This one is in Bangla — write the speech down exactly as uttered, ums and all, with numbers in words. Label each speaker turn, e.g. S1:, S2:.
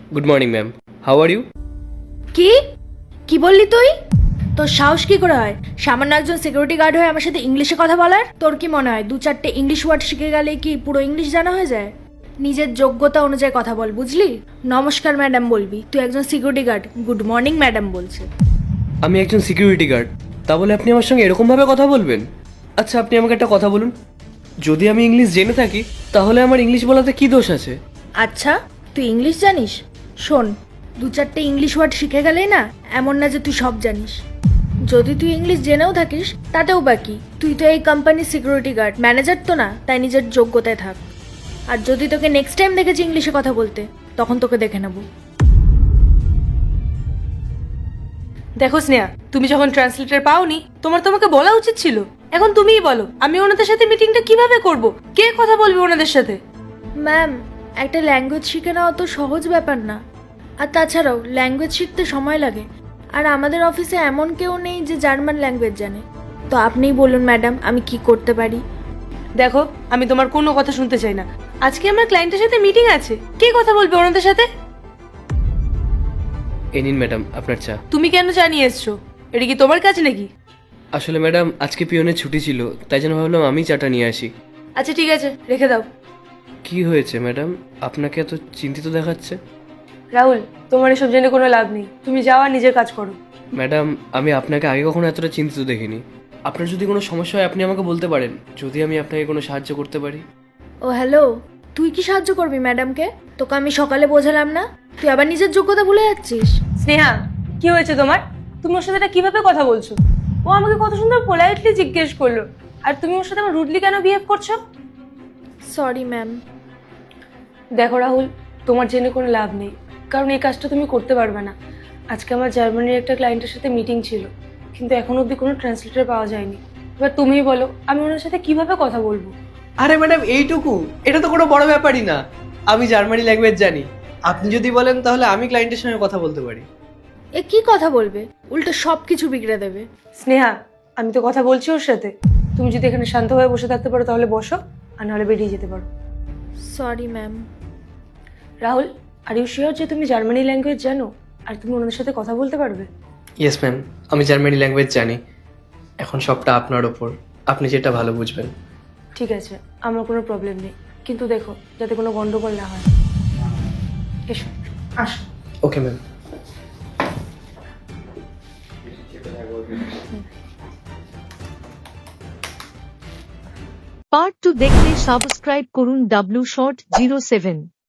S1: Good morning ma'am, how are you?
S2: কি কি বললি তুই? তোর সাহস কি করে হয় সামান্য একজন সিকিউরিটি গার্ড হয়ে আমার সাথে ইংলিশে কথা বলার? তোর কি মনে হয় দু চারটে ইংলিশ ওয়ার্ড শিখে গেলে কি পুরো ইংলিশ জানা হয়ে যায়? নিজের যোগ্যতা অনুযায়ী কথা বল, বুঝলি? নমস্কার ম্যাডাম বলবি, তুই একজন security guard good morning madam বলছে।
S1: আমি একজন সিকিউরিটি গার্ড, তা বলে আপনি আমার সঙ্গে এরকমভাবে কথা বলবেন? আচ্ছা, আপনি আমাকে একটা কথা বলুন, যদি আমি ইংলিশ জেনে থাকি তাহলে আমার ইংলিশ বলাতে কি দোষ আছে?
S2: আচ্ছা, তুই ইংলিশ জানিস? শোন, দু চারটে ইংলিশ ওয়ার্ড শিখে গেলেই না এমন না যে তুই সব জানিস। যদি তুই ইংলিশ জেনেও থাকিস তাতেও বাকি, তুই তো এই কোম্পানির সিকিউরিটি গার্ড, ম্যানেজার তো না, তাই নিজের যোগ্যতায় থাক। আর যদি তোকে নেক্সট টাইম দেখেছি ইংলিশে কথা বলতে, তখন তোকে দেখে নেব।
S3: দেখো স্নেহা, তুমি যখন ট্রান্সলেটর পাওনি তোমার তোমাকে বলা উচিত ছিল। এখন তুমিই বলো আমি ওনাদের সাথে মিটিংটা কিভাবে করব? কে কথা বলবে ওনাদের সাথে?
S2: ম্যাম, একটা ল্যাঙ্গুয়েজ শিখে নেওয়া তো সহজ ব্যাপার না। আর তাছাড়াও ল্যাঙ্গুয়েজ শিখতে সময় লাগে, আর আমাদের অফিসে এমন কেউ নেই যে জার্মান ল্যাঙ্গুয়েজ জানে। তো আপনিই বলুন ম্যাডাম, আমি কি করতে পারি?
S3: দেখো, আমি তোমার কোনো কথা শুনতে চাই না। আজকে আমার ক্লায়েন্টের সাথে মিটিং আছে, কে কথা বলবে ওনাদের সাথে?
S1: এই নিন ম্যাডাম আপনার চা।
S3: তুমি কেন জানিয়ে এসছো? এটা কি তোমার কাজ নাকি?
S1: আসলে ম্যাডাম আজকে পিয়নের ছুটি ছিল, তাই জন্য ভাবলাম আমি চাটা নিয়ে আসি।
S3: আচ্ছা ঠিক আছে, রেখে দাও।
S1: কি হয়েছে ম্যাডাম, আপনাকে এত চিন্তিত দেখাচ্ছে?
S3: রাহুল, তোমার এসব জেনে কোনো লাভ নেই, তুমি যাও আর নিজের কাজ করো।
S1: ম্যাডাম, আমি আপনাকে আগে কখনো এতটা চিন্তিত দেখিনি। আপনার যদি কোনো সমস্যা হয় আপনি আমাকে বলতে পারেন, যদি আমি আপনাকে কোনো সাহায্য করতে পারি।
S2: ও হ্যালো, তুই কি সাহায্য করবি ম্যাডামকে? তোকে আমি সকালে বোঝালাম না, তুই আবার নিজের যোগ্যতা ভুলে যাচ্ছিস।
S3: স্নেহা, কি হয়েছে তোমার? তুমি ওর সাথে এটা কিভাবে কথা বলছো? ও আমাকে কত সুন্দর পোলাইটলি জিজ্ঞেস করলো, আর তুমি ওর সাথে আমার রুডলি কেন বিহেভ করছো?
S2: Sorry ma'am.
S3: দেখো রাহুল, তোমার জেনে কোনো লাভ নেই, কারণ এই কাজটা তুমি করতে পারবে না। আজকে আমার জার্মানির একটা ক্লায়েন্টের সাথে মিটিং ছিল, কিন্তু এখন অবধি কোনো ট্রান্সলেটর পাওয়া যায়নি। এবার তুমিই বলো আমি ওনার সাথে কিভাবে কথা বলবো?
S1: আরে ম্যাডাম, এইটুকু, এটা তো কোনো বড় ব্যাপারই না। আমি জার্মানি ল্যাঙ্গুয়েজ জানি, আপনি যদি বলেন তাহলে আমি ক্লায়েন্টের সঙ্গে কথা বলতে পারি।
S2: এ কি কথা বলবে, উল্টো সব কিছু বিগড়ে দেবে।
S3: স্নেহা, আমি তো কথা বলছি ওর সাথে। তুমি যদি এখানে শান্ত হয়ে বসে থাকতে পারো তাহলে বসো, আর নাহলে বেরিয়ে যেতে পারো।
S2: Sorry ma'am.
S3: Rahul, are you sure যে তুমি জার্মানি ল্যাঙ্গুয়েজ জানো আর তুমি ওনাদের সাথে কথা বলতে পারবে?
S1: ইয়েস ম্যাম, আমি জার্মানি ল্যাঙ্গুয়েজ জানি। এখন সবটা আপনার ওপর, আপনি যেটা ভালো বুঝবেন।
S3: ঠিক আছে, আমার কোনো প্রবলেম নেই, কিন্তু দেখো যাতে কোনো গন্ডগোল না হয়। এসো, আসো।
S1: Okay ma'am.
S4: পার্ট টু দেখতে সাবস্ক্রাইব করুন ডাব্লিউ শর্ট জিরো সেভেন।